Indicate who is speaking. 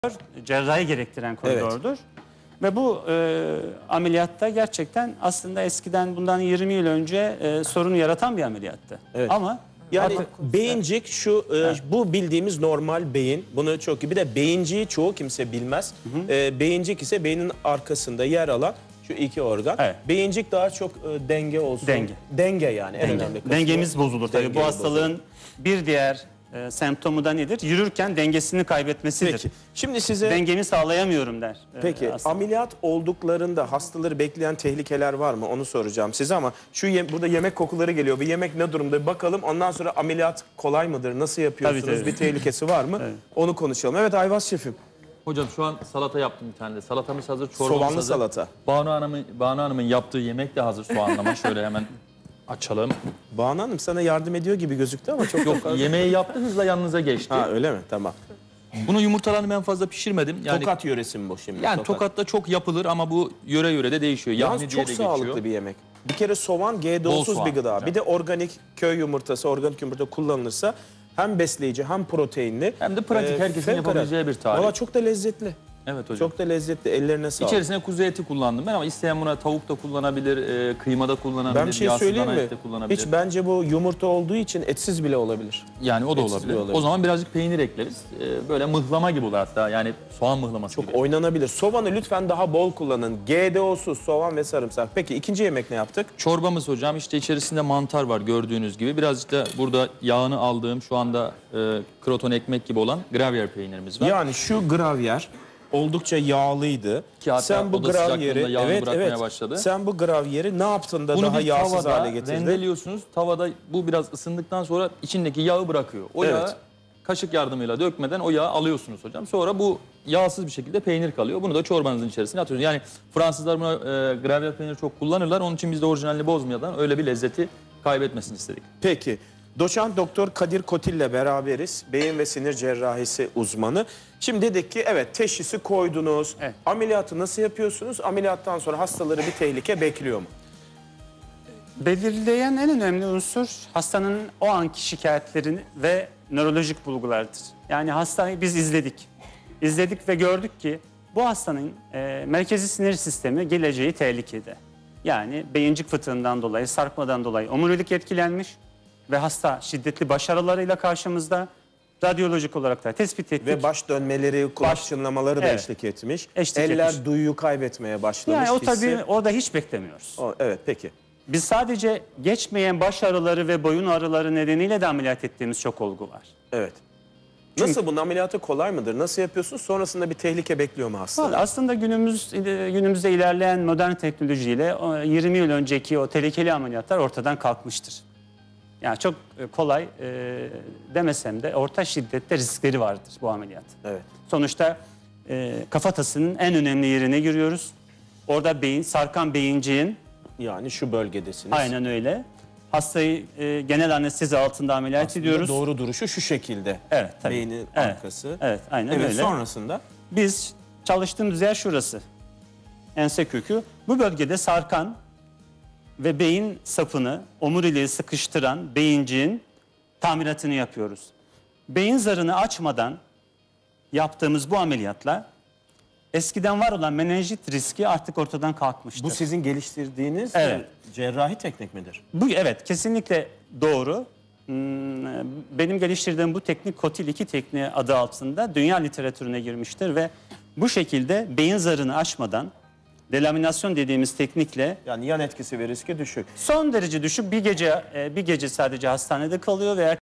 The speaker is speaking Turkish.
Speaker 1: cerrahi gerektiren koridordur. Evet. Ve bu ameliyatta gerçekten aslında eskiden bundan 20 yıl önce sorunu yaratan bir ameliyattı.
Speaker 2: Evet.
Speaker 1: Ama
Speaker 2: yani beyincik şu bu bildiğimiz normal beyin. Bunu çok iyi. Bir de beyinciği çoğu kimse bilmez. Beyincik ise beynin arkasında yer alan şu iki organ. Evet. Beyincik daha çok denge olsun. Denge yani. En önemli kısmı.
Speaker 1: Dengemiz bozulur. Tabii bu hastalığın bir diğer semptomu da nedir? Yürürken dengesini kaybetmesidir.
Speaker 2: Peki. Şimdi size
Speaker 1: dengemi sağlayamıyorum der.
Speaker 2: Peki ameliyat olduklarında hastaları bekleyen tehlikeler var mı? Onu soracağım size ama burada yemek kokuları geliyor. Bir yemek ne durumda? Bir bakalım. Ondan sonra ameliyat kolay mıdır? Nasıl yapıyorsunuz? Tabii. Bir tehlikesi var mı? Evet. Onu konuşalım. Evet Ayvaz şefim.
Speaker 3: Hocam şu an salata yaptım bir tane de. Salatamız hazır, çorbamız
Speaker 2: soğanlı
Speaker 3: hazır.
Speaker 2: Salata.
Speaker 3: Banu Hanım'ın yaptığı yemek de hazır soğanlama. Şöyle hemen açalım.
Speaker 2: Banu Hanım sana yardım ediyor gibi gözüktü ama çok
Speaker 3: yok. Yemeği yaptı, hızla yanınıza geçti.
Speaker 2: Ha öyle mi? Tamam.
Speaker 3: Bunu yumurtalarını ben fazla pişirmedim.
Speaker 2: Yani, Tokat yöresi mi bu şimdi?
Speaker 3: Yani Tokat'ta çok yapılır ama bu yöre de değişiyor.
Speaker 2: Yalnız çok sağlıklı bir yemek. Bir kere soğan GDO'suz bir gıda. Hocam. Bir de organik köy yumurtası, organik yumurta kullanılırsa hem besleyici hem proteinli.
Speaker 3: Hem de pratik, herkesin yapabileceği bir tarif.
Speaker 2: Valla çok da lezzetli.
Speaker 3: Evet hocam.
Speaker 2: Çok da lezzetli. Ellerine sağlık.
Speaker 3: İçerisine kuzu eti kullandım ben ama isteyen buna tavuk da kullanabilir, kıyma da kullanabilir,
Speaker 2: ben bir şey söyleyeyim mi? Hiç bence bu yumurta olduğu için etsiz bile olabilir.
Speaker 3: Yani o da olabilir. O zaman birazcık peynir ekleriz. Böyle mıhlama gibi olur hatta. Yani soğan mıhlaması
Speaker 2: çok
Speaker 3: gibi.
Speaker 2: Oynanabilir. Soğanı lütfen daha bol kullanın. GDO'suz soğan ve sarımsak. Peki ikinci yemek ne yaptık?
Speaker 3: Çorbamız hocam işte içerisinde mantar var gördüğünüz gibi. Birazcık da burada yağını aldığım şu anda kroton ekmek gibi olan gravyer peynirimiz var.
Speaker 2: Yani şu gravyer oldukça yağlıydı.
Speaker 3: Sen bu gravyeri başladı.
Speaker 2: Sen bu gravyeri ne yaptın da daha yağsız hale getirdin?
Speaker 3: Rendeliyorsunuz. Tavada bu biraz ısındıktan sonra içindeki yağı bırakıyor. O yağı kaşık yardımıyla dökmeden o yağı alıyorsunuz hocam. Sonra bu yağsız bir şekilde peynir kalıyor. Bunu da çorbanızın içerisine atıyorsunuz. Yani Fransızlar buna gravyer peyniri çok kullanırlar. Onun için biz de orijinalini bozmadan öyle bir lezzeti kaybetmesini istedik.
Speaker 2: Peki. Doçent Doktor Kadir Kotil ile beraberiz. Beyin ve sinir cerrahisi uzmanı. Şimdi dedik ki evet teşhisi koydunuz. Evet. Ameliyatı nasıl yapıyorsunuz? Ameliyattan sonra hastaları bir tehlike bekliyor mu?
Speaker 1: Belirleyen en önemli unsur hastanın o anki şikayetlerini ve nörolojik bulgulardır. Yani hastayı biz izledik. İzledik ve gördük ki bu hastanın merkezi sinir sistemi geleceği tehlikede. Yani beyincik fıtığından dolayı, sarkmadan dolayı omurilik etkilenmiş. Ve hasta şiddetli baş ağrılarıyla karşımızda, radyolojik olarak da tespit ettik.
Speaker 2: Ve baş dönmeleri, kulak çınlamaları da eşlik etmiş. Eller duyuyu kaybetmeye başlamış.
Speaker 1: Yani o tabii orada hiç beklemiyoruz.
Speaker 2: Evet peki.
Speaker 1: Biz sadece geçmeyen baş ağrıları ve boyun ağrıları nedeniyle de ameliyat ettiğimiz çok olgu var.
Speaker 2: Evet. Nasıl bunun ameliyatı kolay mıdır? Nasıl yapıyorsunuz? Sonrasında bir tehlike bekliyor mu hasta?
Speaker 1: Aslında günümüzde ilerleyen modern teknolojiyle 20 yıl önceki o tehlikeli ameliyatlar ortadan kalkmıştır. Yani çok kolay demesem de orta şiddette riskleri vardır bu ameliyat.
Speaker 2: Evet.
Speaker 1: Sonuçta kafatasının en önemli yerine giriyoruz. Orada sarkan beyinciğin.
Speaker 2: Yani şu bölgedesiniz.
Speaker 1: Aynen öyle. Hastayı genel anestezi altında ameliyat
Speaker 2: aslında
Speaker 1: ediyoruz.
Speaker 2: Doğru duruşu şu şekilde.
Speaker 1: Evet tabii.
Speaker 2: Beynin arkası.
Speaker 1: Evet aynen öyle.
Speaker 2: Sonrasında?
Speaker 1: Biz çalıştığımız yer şurası. Ense kökü. Bu bölgede sarkan ve beyin sapını, omuriliği sıkıştıran beyinciğin tamiratını yapıyoruz. Beyin zarını açmadan yaptığımız bu ameliyatla eskiden var olan menenjit riski artık ortadan kalkmıştır.
Speaker 2: Bu sizin geliştirdiğiniz cerrahi teknik midir?
Speaker 1: Evet, kesinlikle doğru. Benim geliştirdiğim bu teknik Kotil 2 tekniği adı altında dünya literatürüne girmiştir ve bu şekilde beyin zarını açmadan delaminasyon dediğimiz teknikle,
Speaker 2: yani yan etkisi ve riski düşük.
Speaker 1: Son derece düşük. Bir gece sadece hastanede kalıyor ve